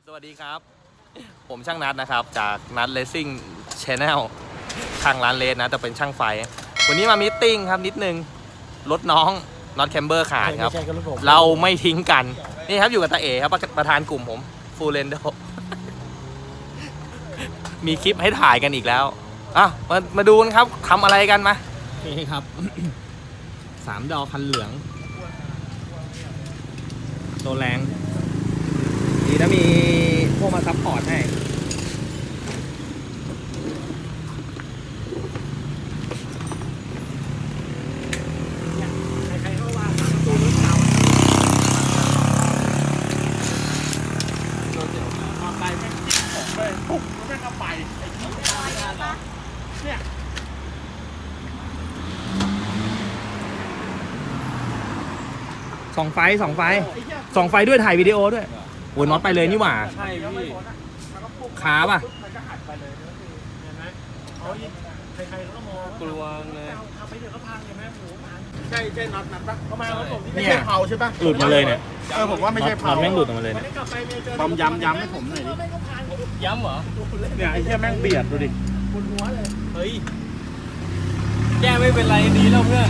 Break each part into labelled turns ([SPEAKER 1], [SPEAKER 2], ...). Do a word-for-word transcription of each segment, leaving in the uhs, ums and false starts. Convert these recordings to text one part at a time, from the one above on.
[SPEAKER 1] สวัสดีครับผมช่างนัดนะครับจากนัดเลสซิ่งชาแนลทางร้านเลสนะแต่เป็นช่างไฟวันนี้มามีตติ้งครับนิดนึงรถน้องน็อตแคมเบอร์ขาดครับเราไม่ทิ้งกันนี่ครับอยู่กับตาเอ๋ครับประธานกลุ่มผมฟูเรนโดมีคลิปให้ถ่ายกันอีกแล้วอ่ะมามาดูกันครับทำอะไรกันมานี่ครับ สามดอกคันเหลืองตัวแรงดีนะมีพวกมาซัพพอร์ตให้ใครๆเขาว่าสามตัวรถเก่าโดนเดี๋ยวมาไปแม่งจิ้มผมเลยปุ๊บแล้วแม่งก็ไปไอ้ที่ไม่ได้เหรอเนี่ยสองไฟสองไฟสองไฟด้วยถ่ายวิดีโอด้วยโอ้ยน็อตไปเลยนี่หว่าใช่พี่ขาป่ะเห็นไหมเขาใครๆเขาก็มองกลัวเลยทำไปเดี๋ยวก็พังใช่ไหมหมูพังใช่ใช่น็อตนัดปะเขามาแล้วผมไม่ใช่เผาใช่ปะหลุดมาเลยเนี่ยเออผมว่าไม่ใช่เผาน็อตแม่งหลุดออกมาเลยเนี่ยบอมย้ำย้ำให้ผมหน่อยดิย้ำเหรอเนี่ยไอ้แค่แม่งเบียดดูดิบนหัวเลยเฮ้ยแก้ไม่เป็นไรดีแล้วเพื่อน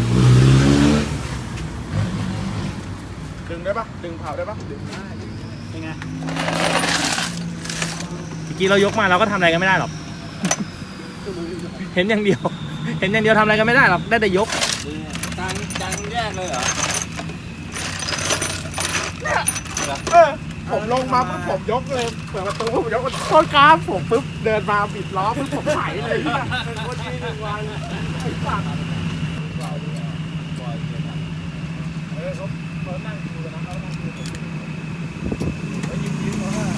[SPEAKER 1] ดึงได้ปะดึงเผาได้ปะดึงได้เป็นไงเมื่อกี้เรายกมาเราก็ทำอะไรกันไม่ได้หรอก เห็นอย่างเดียวเห็นอย่างเดียวทำอะไรกันไม่ได้หรอกได้แต่ยกดังดังแยกเลยเหรอเออผมลงมาปุ๊บผมยกเลยเปิดประตูผมยกโคตรกราฟผมปุ๊บเดินมาบิดล้อปุ๊บผมไถเลยเป็นคนที่หนึ่งวันไอ้สัตว์เออเขาเขานั่งดูนะเขานั่งดูแล้วยิ้มยิ้มเขาว่า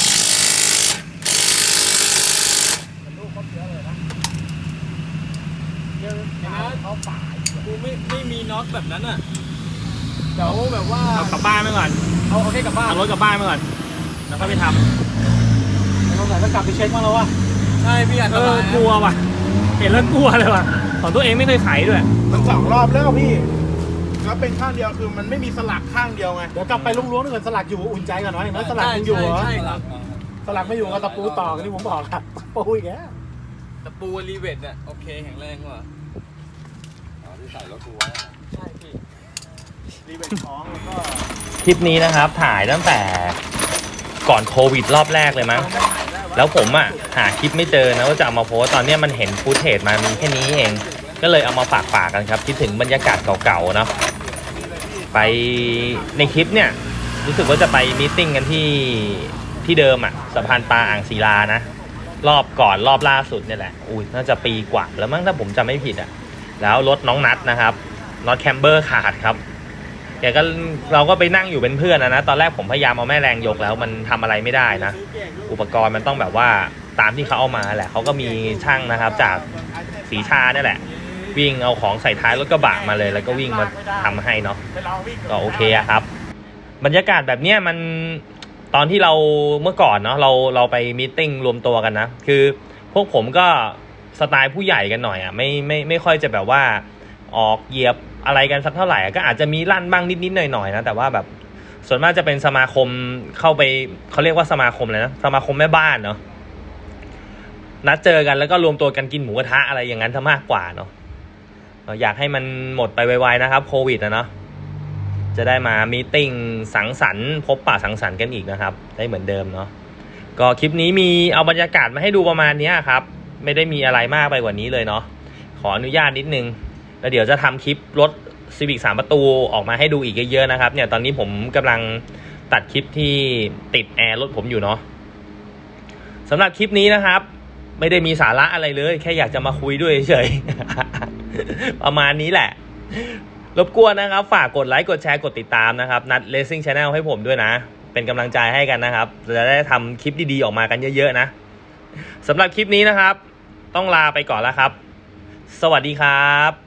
[SPEAKER 1] ลูกเขาเสียเลยนะเดี๋ยวเขาป่ากูไม่ไม่มีน็อตแบบนั้นอ่ะเดี๋ยวแบบว่าเอากลับบ้านไปก่อนเอาเอาแค่กลับบ้านเอารถกลับบ้านไปก่อนแล้วก็ไปทำเราไหนก็กลับไปเช็คมาแล้ววะใช่พี่อ่ะเออกลัวว่ะเห็นแล้วกลัวเลยว่ะของตัวเองไม่เคยไขด้วยมันสองรอบแล้วพี่แล้วเป็นข้างเดียวคือมันไม่มีสลักข้างเดียวไงเดี๋ยวกลับไปล้วงๆถ้าเกิดสลักอยู่อุ่นใจก่อนหน่อยนะสลักยังอยู่เหรอสลักไม่อยู่ก็ตะปูต่อกันที่ผมบอกครับตะปูอีกแล้วตะปูรีเวทเนี่ยโอเคแข็งแรงกว่าอ๋อที่ใส่รถกูไว้ใช่พี่รีเวทของแล้วก็คลิปนี้นะครับถ่ายตั้งแต่ก่อนโควิดรอบแรกเลยมั้งแล้วผมอ่ะหาคลิปไม่เจอนะว่าจะเอามาโพสตอนนี้มันเห็นฟุตเทจมามีแค่นี้เองก็เลยเอามาฝากฝากกันครับคิดถึงบรรยากาศเก่าๆเนาะไปในคลิปเนี่ยรู้สึกว่าจะไปมีตติ้งกันที่ที่เดิมอ่ะสะพานปลาอ่างศิลานะรอบก่อนรอบล่าสุดเนี่ยแหละอุ้ยน่าจะปีกว่าแล้วมั้งถ้าผมจำไม่ผิดอ่ะแล้วรถน้องนัดนะครับน็อตแคมเบอร์ขาดครับแกก็เราก็ไปนั่งอยู่เป็นเพื่อนนะนะตอนแรกผมพยายามเอาแม่แรงยกแล้วมันทำอะไรไม่ได้นะอุปกรณ์มันต้องแบบว่าตามที่เขาเอามาแหละเขาก็มีช่างนะครับจากศรีชาเนี่ยแหละวิ่งเอาของใส่ท้ายรถกระบะมาเลยแล้วก็วิ่งมาทำให้เนาะก็โอเคอะครับบรรยากาศแบบเนี้ยมันตอนที่เราเมื่อก่อนเนาะเราเราไปมีตติ้งรวมตัวกันนะคือพวกผมก็สไตล์ผู้ใหญ่กันหน่อยอะไม่ไม่ไม่ค่อยจะแบบว่าออกเหยียบอะไรกันสักเท่าไหร่ก็อาจจะมีลั่นบ้างนิดๆหน่อยๆนะแต่ว่าแบบส่วนมากจะเป็นสมาคมเข้าไปเขาเรียกว่าสมาคมเลยนะสมาคมแม่บ้านเนาะนัดเจอกันแล้วก็รวมตัวกันกินหมูกระทะอะไรอย่างนั้นซะมากกว่าเนาะอยากให้มันหมดไปไวๆนะครับโควิดนะเนาะจะได้มามีตติ้งสังสรรค์พบปะสังสรรค์กันอีกนะครับได้เหมือนเดิมเนาะก็คลิปนี้มีเอาบรรยากาศมาให้ดูประมาณนี้ครับไม่ได้มีอะไรมากไปกว่านี้เลยเนาะขออนุญาตนิดนึงแล้วเดี๋ยวจะทำคลิปรถ Civic สามประตูออกมาให้ดูอีกเยอะๆนะครับเนี่ยตอนนี้ผมกำลังตัดคลิปที่ติดแอร์รถผมอยู่เนาะสำหรับคลิปนี้นะครับไม่ได้มีสาระอะไรเลยแค่อยากจะมาคุยด้วยเฉยๆ ประมาณนี้แหละรบกวนนะครับฝากกดไลค์กดแชร์กดติดตามนะครับนัด Racing Channel ให้ผมด้วยนะเป็นกำลังใจให้กันนะครับจะได้ทำคลิปดีๆออกมากันเยอะๆนะสำหรับคลิปนี้นะครับต้องลาไปก่อนแล้วครับสวัสดีครับ